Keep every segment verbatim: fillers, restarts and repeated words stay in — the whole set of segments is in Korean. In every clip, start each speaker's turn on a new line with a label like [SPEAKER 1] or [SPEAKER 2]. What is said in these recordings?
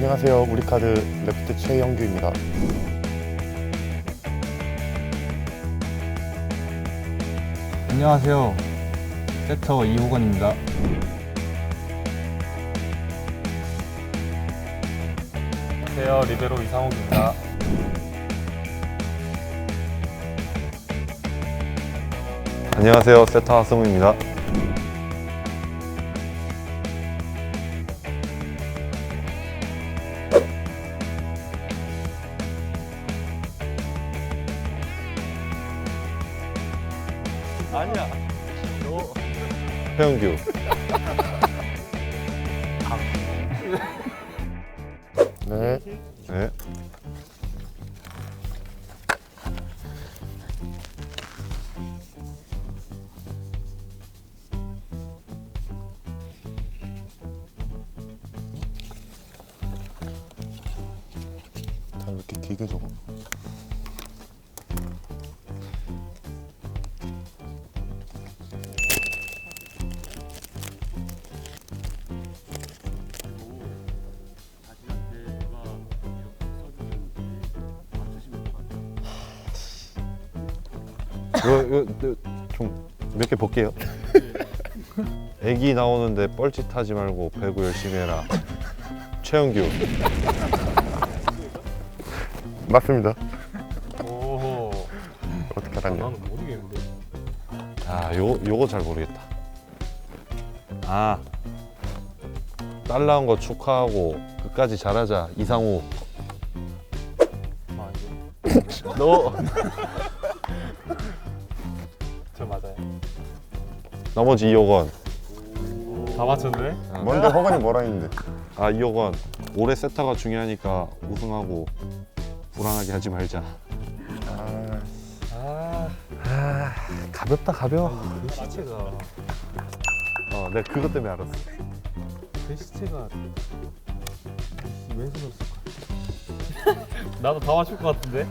[SPEAKER 1] 안녕하세요. 우리카드 레프트 최영규입니다.
[SPEAKER 2] 안녕하세요. 세터 이호건입니다.
[SPEAKER 3] 안녕하세요. 리베로 이상욱입니다.
[SPEAKER 4] 안녕하세요. 세터 하승우입니다.
[SPEAKER 3] 아니야. 너
[SPEAKER 4] 최영규.
[SPEAKER 1] 네.
[SPEAKER 4] 네.
[SPEAKER 1] 다 이렇게 길게 적어.
[SPEAKER 4] 이거, 이거 좀 몇 개 볼게요. 애기 나오는데 뻘짓하지 말고 배구 열심히 해라. 최영규.
[SPEAKER 1] 맞습니다.
[SPEAKER 3] 오호.
[SPEAKER 1] 어떻게 알았냐?
[SPEAKER 3] 나는 모르겠는데.
[SPEAKER 4] 아, 요 요거 잘 모르겠다. 아, 딸 낳은 거 축하하고 끝까지 잘하자. 이상우.
[SPEAKER 3] 아 이거.
[SPEAKER 4] 너
[SPEAKER 3] 저 맞아요.
[SPEAKER 4] 나머지 이호건.
[SPEAKER 3] 다 맞췄네.
[SPEAKER 1] 뭔데 허건이 뭐라 했는데?
[SPEAKER 4] 아, 이호건. 올해 세타가 중요하니까 우승하고 불안하게 하지 말자.
[SPEAKER 1] 아,
[SPEAKER 3] 아,
[SPEAKER 4] 가볍다 가벼워.
[SPEAKER 3] 글씨체가
[SPEAKER 4] 어, 내가 그것 때문에 알았어.
[SPEAKER 3] 글씨체가 왜 그랬을까? 나도 다 맞출 것 같은데.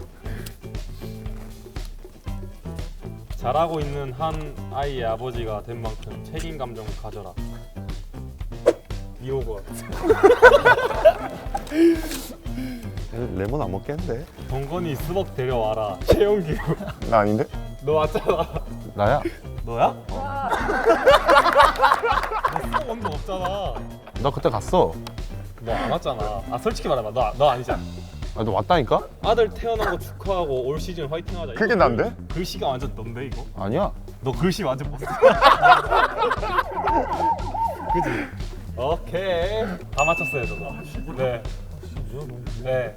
[SPEAKER 3] 잘하고 있는 한 아이의 아버지가 된 만큼 책임 감정을 가져라. 이호건.
[SPEAKER 4] 레몬 안 먹겠는데?
[SPEAKER 3] 동건이 스벅 데려와라. 최영규.
[SPEAKER 1] 나 아닌데?
[SPEAKER 3] 너 왔잖아.
[SPEAKER 4] 나야?
[SPEAKER 3] 너야? 너 스벅 온 적 없잖아.
[SPEAKER 4] 나 그때 갔어.
[SPEAKER 3] 너 안 왔잖아. 아 솔직히 말해봐. 너, 너 아니잖아.
[SPEAKER 4] 아, 너 왔다니까?
[SPEAKER 3] 아들 태어난 거 축하하고 올 시즌 화이팅하자.
[SPEAKER 1] 그게
[SPEAKER 3] 이거
[SPEAKER 1] 난데?
[SPEAKER 3] 글- 글씨가 완전 넌데 이거?
[SPEAKER 4] 아니야.
[SPEAKER 3] 너 글씨 완전 봤어. 그지? 오케이. 다 맞췄어요 저도. 네. 네.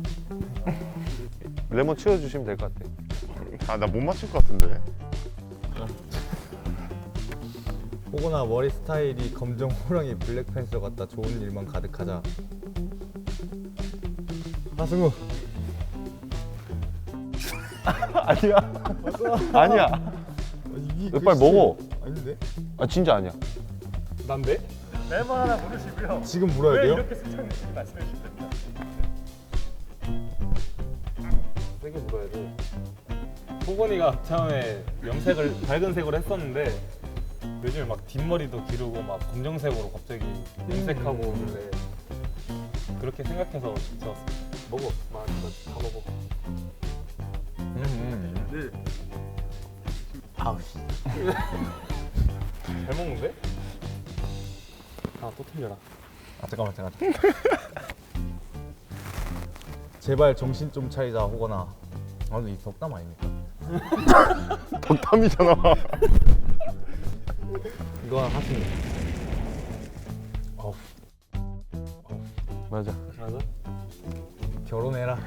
[SPEAKER 4] 레몬 치워주시면 될 것 같아.
[SPEAKER 1] 아, 나 못 맞출 것 같은데.
[SPEAKER 2] 호건아 머리 스타일이 검정 호랑이 블랙팬서 같다. 좋은 일만 가득하자. 하승우.
[SPEAKER 4] 아니야. 아니야.
[SPEAKER 2] 이게
[SPEAKER 4] 이거 빨리 먹어.
[SPEAKER 2] 아닌데?
[SPEAKER 4] 아, 진짜 아니야.
[SPEAKER 3] 난데?
[SPEAKER 2] 지금 물어야 돼요?
[SPEAKER 3] 세게 물어야 돼. 호건이가 처음에 염색을 밝은 색으로 했었는데 요즘에 막 뒷머리도 기르고 막 검정색으로 갑자기 염색하고 오길래 그렇게 생각해서 지었어. 먹어. 많이 다 먹어.
[SPEAKER 2] 음. 아우 씨.
[SPEAKER 3] 잘 먹는데? 아 또 틀려라.
[SPEAKER 2] 아 잠깐만 잠깐. 제발 정신 좀 차리자 호건아. 아 근데 이 덕담 아닙니까?
[SPEAKER 1] 덕담이잖아.
[SPEAKER 2] 이거 하승우.
[SPEAKER 3] 어우.
[SPEAKER 4] 맞아.
[SPEAKER 3] 맞아?
[SPEAKER 2] 결혼해라.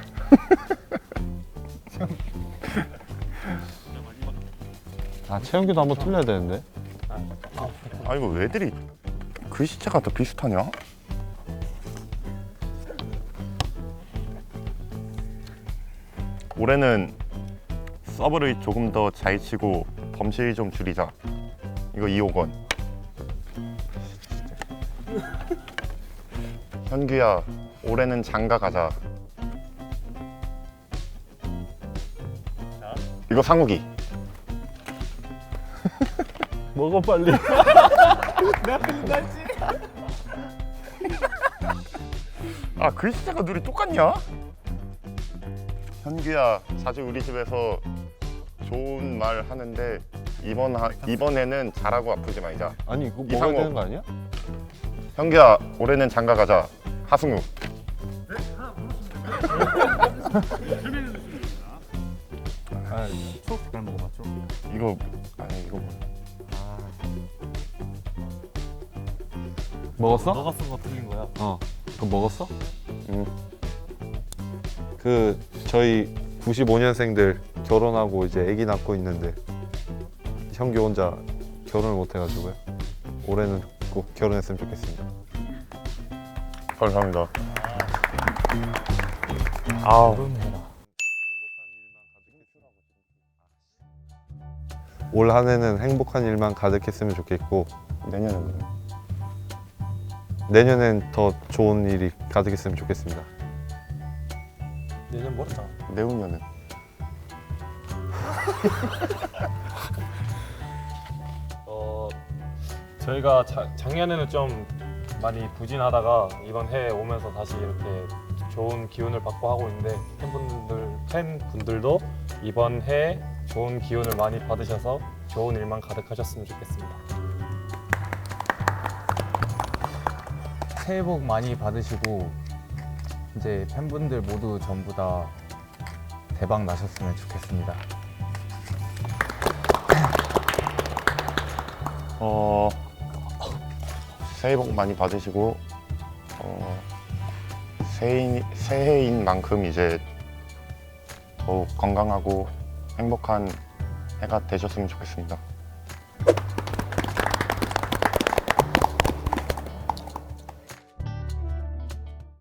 [SPEAKER 4] 아, 최영규도 한번 틀려야 되는데.
[SPEAKER 1] 아, 이거 왜들이 글씨체가 더 비슷하냐? 올해는 서브를 조금 더 잘 치고 범실 좀 줄이자. 이거 이호건. 현규야, 올해는 장가 가자. 이거 상욱이.
[SPEAKER 4] 먹어 빨리.
[SPEAKER 3] 내가 끝났지?
[SPEAKER 1] 아 글씨체가 둘이 똑같냐? 현규야 자주 우리 집에서 좋은 말 하는데 이번 하, 이번에는 잘하고 아프지 말자.
[SPEAKER 4] 아니 이거
[SPEAKER 1] 이상호.
[SPEAKER 4] 먹어야 되는 거 아니야?
[SPEAKER 1] 현규야 올해는 장가 가자. 하승우.
[SPEAKER 2] 아, 초록색깔 먹어봤죠?
[SPEAKER 1] 이거 아니 이거
[SPEAKER 4] 먹었어?
[SPEAKER 3] 너가 쓴 거 틀린 거야.
[SPEAKER 4] 어. 그거 먹었어?
[SPEAKER 1] 음.
[SPEAKER 4] 그 저희 구십오 년생들 결혼하고 이제 아기 낳고 있는데 형규 혼자 결혼을 못 해가지고요. 올해는 꼭 결혼했으면 좋겠습니다.
[SPEAKER 1] 감사합니다. 아
[SPEAKER 4] 올 한 해는 행복한 일만 가득했으면 좋겠고
[SPEAKER 1] 내년에는
[SPEAKER 4] 내년엔 더 좋은 일이 가득했으면 좋겠습니다.
[SPEAKER 3] 내년 멀었잖아.
[SPEAKER 1] 내후년은
[SPEAKER 3] 어 저희가 자, 작년에는 좀 많이 부진하다가 이번 해에 오면서 다시 이렇게 좋은 기운을 받고 하고 있는데 팬분들 팬분들도 이번 해 좋은 기운을 많이 받으셔서 좋은 일만 가득하셨으면 좋겠습니다.
[SPEAKER 2] 새해 복 많이 받으시고 이제 팬분들 모두 전부 다 대박 나셨으면 좋겠습니다.
[SPEAKER 1] 어 새해 복 많이 받으시고 어 새해인, 새해인 만큼 이제 더욱 건강하고 행복한 해가 되셨으면 좋겠습니다.